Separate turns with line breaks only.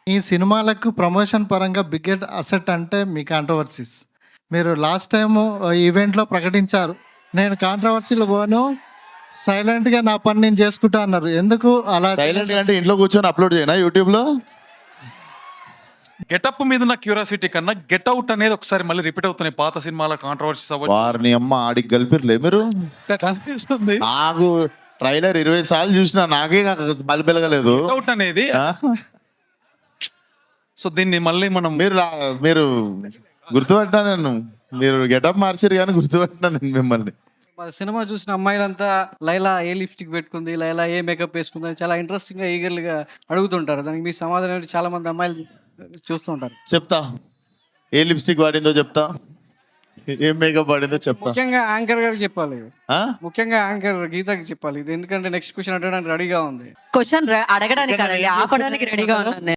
ఈ సినిమాలకు ప్రమోషన్ పరంగా బిగ్గెస్ట్ అసెట్ అంటే మీ కాంట్రవర్సీస్. మీరు లాస్ట్ టైము ఈవెంట్‌లో ప్రకటించారు. నేను కాంట్రవర్సీ‌లో పోను. సైలెంట్‌గా నా పని నేను చేసుకుంటా అన్నారు. ఎందుకు అలా
సైలెంట్ అంటే ఇంట్లో కూర్చొని అప్లోడ్ చేయనా యూట్యూబ్లో?
గెటప్ మీద ఉన్న క్యూరియాసిటీ కన్నా గెట్ అవుట్ అనేది ఒకసారి మళ్ళీ రిపీట్ అవుతున్నాయి పాత సినిమాల కాంట్రవర్సీస్ అవ్వచ్చు.
వారిని అమ్మ ఆడికి కలిపిర్లే మీరు.
కనిపిస్తుంది
నాకు ట్రైలర్ 20 సార్లు చూసినా నాకే బలి పెరగలేదు.
గెట్ అవుట్ అనేది. సో దీన్ని మళ్ళీ మనం
మీరు గుర్తుపట్టినా నేను. మీరు గెటప్ మార్చారు కానీ గుర్తుపట్టినా నేను మిమ్మల్ని.
మన సినిమా చూసిన అమ్మాయిలంతా లైలా ఏ లిప్స్టిక్ పెట్టుకుంది, లైలా ఏ మేకప్ వేసుకుంది అని చాలా ఇంట్రెస్టింగ్గా ఈగర్గా అడుగుతుంటారు. దానికి మీ సమాధానం ఏంటి? చాలా మంది అమ్మాయిలు చూస్తుంటారు.
చెప్తా, ఏ లిప్స్టిక్ వాడిందో చెప్తా, ఏం మేకప్ వాడిందో చెప్తా.
ముఖ్యంగా యాంకర్ గారికి చెప్పాలి.
ఆ?
ముఖ్యంగా యాంకర్ గీతకి చెప్పాలి ఇది. ఎందుకంటే నెక్స్ట్ క్వశ్చన్ అడగడానికి రెడీగా ఉంది.
క్వశ్చన్ అడగడానికి కాదండి, ఆపడానికి రెడీగా ఉన్నాను నేను.